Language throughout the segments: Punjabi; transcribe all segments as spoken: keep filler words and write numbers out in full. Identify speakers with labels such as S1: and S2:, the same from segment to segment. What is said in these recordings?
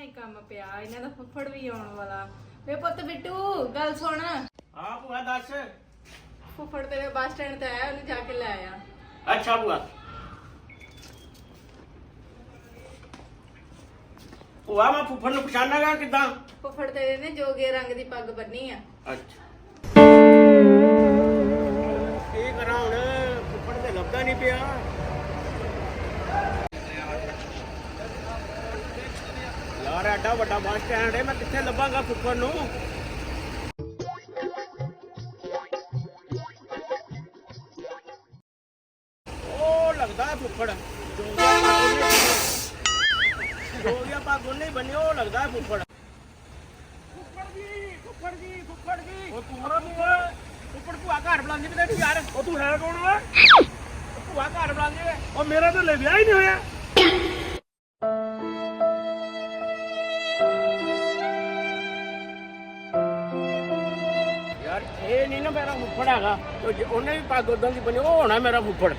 S1: ਹੀ ਕੰਮ ਪਿਆ ਇਹਨਾਂ ਦਾ ਫੁੱਫੜ ਵੀ ਆਉਣ ਵਾਲਾ। ਵੇ ਪੁੱਤ ਬਿੱਟੂ ਗੱਲ ਸੁਣ।
S2: ਹਾਂ ਭੂਆ ਦੱਸ।
S1: ਫੁੱਫੜ ਤੇਰੇ ਬੱਸ ਸਟੈਂਡ ਤੇ ਆਇਆ, ਉਹਨੂੰ ਜਾ ਕੇ ਲੈ ਆ।
S2: ਅੱਛਾ ਭੂਆ। ਭੂਆ ਮੈਂ ਫੁੱਫੜ ਨੂੰ ਪਛਾਣਾਂਗਾ ਕਿੱਦਾਂ?
S1: ਫੁੱਫੜ ਤੇਰੇ ਨੇ ਜੋਗੇ ਰੰਗ ਦੀ ਪੱਗ ਬੰਨੀ ਆ।
S2: ਅੱਛਾ ਕੀ ਕਰਾਂ ਹੁਣ, ਫੁੱਫੜ ਤੇ ਲੱਭਦਾ ਨਹੀਂ ਪਿਆ। ਯਾਰ ਐਡਾ ਵੱਡਾ ਬੱਸ ਸਟੈਂਡ ਹੈ, ਮੈਂ ਕਿੱਥੇ ਲੱਭਾਂਗਾ ਫੁੱਫੜ ਨੂੰ? ਉਹ ਲੱਗਦਾ ਹੈ ਫੁੱਫੜ ਜੋਗਿਆ ਪੱਗ ਉਹਨੇ ਹੀ ਬੰਨੀ, ਉਹ ਲੱਗਦਾ ਹੈ ਫੁੱਫੜ। ਫੁੱਫੜ ਜੀ ਫੁੱਫੜ ਜੀ ਫੁੱਫੜ ਜੀ ਉਹ ਤੂੰ ਫੁੱਫੜ ਭੂਆ ਘਰ ਬੁਲਾਉਂਦੀ ਪਈ ਯਾਰ। ਉਹ ਤੂੰ ਹੈ ਕੌਣ ਓਏ? ਭੂਆ ਘਰ ਬੁਲਾਉਂਦੀ ਵੇ। ਉਹ ਮੇਰਾ ਤਾਂ ਲੈ ਵਿਆਹ ਹੀ ਨਹੀਂ ਹੋਇਆ। ਯਾਰ ਇਹ ਨਹੀਂ ਨਾ ਮੇਰਾ ਫੁੱਫੜ ਹੈਗਾ, ਉਹਨੇ ਵੀ ਪੱਗ ਉਦਾਂ ਦੀ ਬੰਨੀ, ਉਹ ਹੋਣਾ ਮੇਰਾ ਫੁੱਫੜ।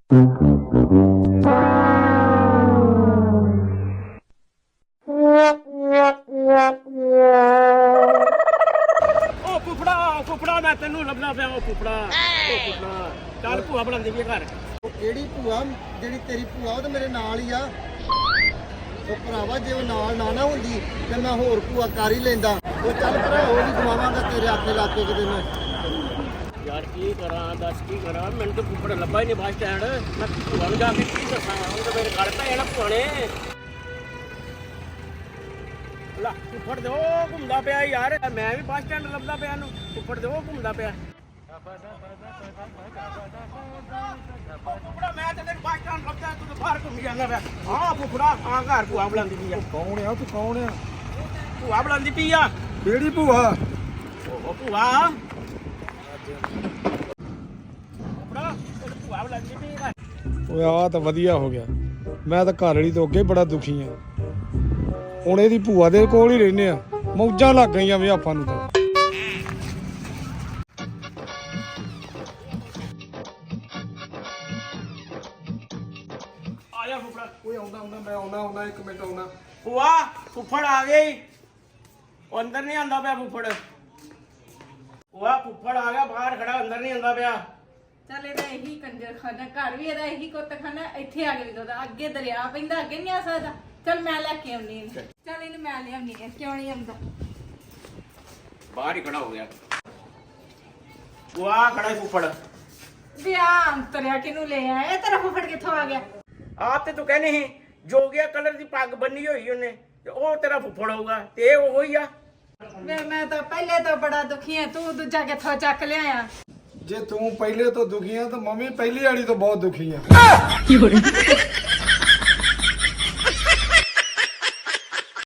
S2: ਉਹ ਫੁੱਫੜਾ ਫੁੱਫੜਾ ਮੈਂ ਤੈਨੂੰ ਲੱਭਣਾ ਪਿਆ। ਉਹ ਫੁੱਫੜਾ ਉਹ ਫੁੱਫੜਾ ਚੱਲ ਭੂਆ ਬਣਾਉਂਦੀ ਵੀ ਘਰ।
S3: ਉਹ ਕਿਹੜੀ ਭੂਆ? ਜਿਹੜੀ ਤੇਰੀ ਭੂਆ ਉਹ ਤਾਂ ਮੇਰੇ ਨਾਲ ਹੀ ਆ। ਉਹ ਭਰਾਵਾ ਜੇ ਉਹ ਨਾਲ ਨਾ ਨਾ ਹੁੰਦੀ ਤੇ ਮੈਂ ਹੋਰ ਭੂਆ ਕਰ ਹੀ ਲੈਂਦਾ। ਉਹ ਚੱਲ ਭਰਾ ਉਹ ਵੀ ਗਵਾਵਾਂਗਾ ਤੇਰੇ ਆਖੇ ਲਾ ਕੇ ਕਿਤੇ ਮੈਂ।
S2: ਯਾਰ ਕੀ ਕਰਾਂ ਦੱਸ ਕੀ ਕਰਾਂ, ਮੈਨੂੰ ਤਾਂ ਫੁੱਫੜ ਲੱਭਾ ਹੀ ਨਹੀਂ ਬੱਸ ਸਟੈਂਡ। ਮੈਂ ਭੂਆ ਨੂੰ ਜਾ ਕੇ ਕੀ ਦੱਸਾਂ? ਉਹ ਤਾਂ ਮੇਰੇ ਘਰ ਪੈ ਜਾਣਾ ਭੂਆ ਨੇ। ਲਾ ਫੁੱਫੜ ਦੇ ਉਹ ਘੁੰਮਦਾ ਪਿਆ ਯਾਰ, ਮੈਂ ਵੀ ਬੱਸ ਸਟੈਂਡ ਲੱਭਦਾ ਪਿਆ ਨੂੰ। ਫੁੱਫੜ ਦੇ ਉਹ ਘੁੰਮਦਾ ਪਿਆ। ਫੁੱਫੜਾ ਮੈਂ ਤੇ ਤੈਨੂੰ ਬੱਸ ਸਟੈਂਡ ਲੱਭਦਾ, ਤੂੰ ਤਾਂ ਬਾਹਰ ਘੁੰਮੀ ਜਾਂਦਾ ਪਿਆ। ਹਾਂ ਫੁੱਫੜਾ ਆ ਘਰ ਭੂਆ ਬੁਲਾਉਂਦੀ ਪਈ ਆ।
S3: ਕੌਣ ਆ ਤੂੰ? ਕੌਣ ਆ?
S2: ਭੂਆ ਬੁਲਾਉਂਦੀ ਪਈ ਆ।
S3: ਕਿਹੜੀ ਭੂਆ?
S2: ਉਹ ਭੂਆ ਫੁੱਫੜਾ ਤੈਨੂੰ ਭੂਆ ਬੁਲਾਉਂਦੀ ਪਈ ਆ।
S4: ਓਏ ਆ ਤਾਂ ਵਧੀਆ ਹੋ ਗਿਆ, ਮੈਂ ਤਾਂ ਘਰ ਵਾਲੀ ਤੋਂ ਅੱਗੇ ਬੜਾ ਦੁਖੀ ਆ। ਹੁਣ ਇਹਦੀ ਭੂਆ ਦੇ ਕੋਲ ਹੀ ਰਹਿੰਦੇ ਆ, ਮੌਜਾਂ ਲੱਗ ਗਈਆਂ ਵੀ ਆਪਾਂ ਨੂੰ ਤਾਂ।
S2: ਆ ਜਾ ਫੁੱਫੜਾ।
S4: ਓਏ ਆਉਂਦਾ ਆਉਂਦਾ ਮੈਂ ਆਉਣਾ ਆਉਣਾ ਇੱਕ ਮਿੰਟ ਆਉਣਾ।
S2: ਭੂਆ ਫੁੱਫੜ ਆ ਗਈ। ਉਹ ਅੰਦਰ ਨਹੀਂ ਆਂਦਾ ਪਿਆ ਫੁੱਫੜ। ਭੂਆ ਫੁੱਫੜ ਆ ਗਿਆ ਬਾਹਰ ਖੜਾ, ਅੰਦਰ ਨਹੀਂ ਆਂਦਾ ਪਿਆ।
S1: ਚੱਲ ਇਹਦਾ ਇਹੀ ਕੰਜਰ ਖਾਨਾ, ਘਰ ਵੀ ਇਹਦਾ ਇਹੀ ਕੁੱਤ ਖਾਨਾ, ਇੱਥੇ ਆ ਕੇ ਵੀ ਉਹਦਾ ਅੱਗੇ ਦਰਿਆ ਪੈਂਦਾ, ਅੱਗੇ ਨਹੀਂ ਆ ਸਕਦਾ। ਚੱਲ ਮੈਂ ਲੈ ਕੇ ਆਉਣੀ ਇਹਨੂੰ। ਚੱਲ ਇਹਨੂੰ ਮੈਂ ਲਿਆਉਣੀ ਹੈ, ਕਿਉਂ ਨਹੀਂ ਆਉਂਦਾ?
S2: ਬਾਹਰ ਹੀ ਖੜਾ ਹੋ ਗਿਆ। ਭੂਆ ਖੜਾ ਫੁੱਫੜ।
S1: ਵਿਆਹ ਅੰਤਰਿਆ ਕਿਨੂੰ ਲੈ ਆਇਆ? ਇਹ ਤੇਰਾ ਫੁੱਫੜ ਕਿੱਥੋਂ ਆ ਗਿਆ?
S2: ਆ ਤੇ ਤੂੰ ਕਹਿੰਦੀ ਸੀ ਜੋਗਿਆ ਕਲਰ ਦੀ ਪੱਗ ਬੰਨੀ ਹੋਈ ਉਹਨੇ, ਤੇ ਉਹ ਤੇਰਾ ਫੁੱਫੜ ਹੋਊਗਾ, ਤੇ ਇਹ ਉਹੋ ਹੀ ਆ।
S1: ਵੇ ਮੈਂ ਤਾਂ ਪਹਿਲੇ ਤੋਂ ਬੜਾ ਦੁਖੀ ਆ, ਤੂੰ ਦੂਜਾ ਕਿੱਥੋਂ ਚੱਕ ਲਿਆਇਆ?
S4: ਜੇ ਤੂੰ ਪਹਿਲੇ ਤੋਂ ਦੁਖੀ ਆ ਤਾਂ ਮੰਮੀ ਪਹਿਲੀ ਵਾਲੀ ਤੋਂ ਬਹੁਤ ਦੁਖੀ ਆ।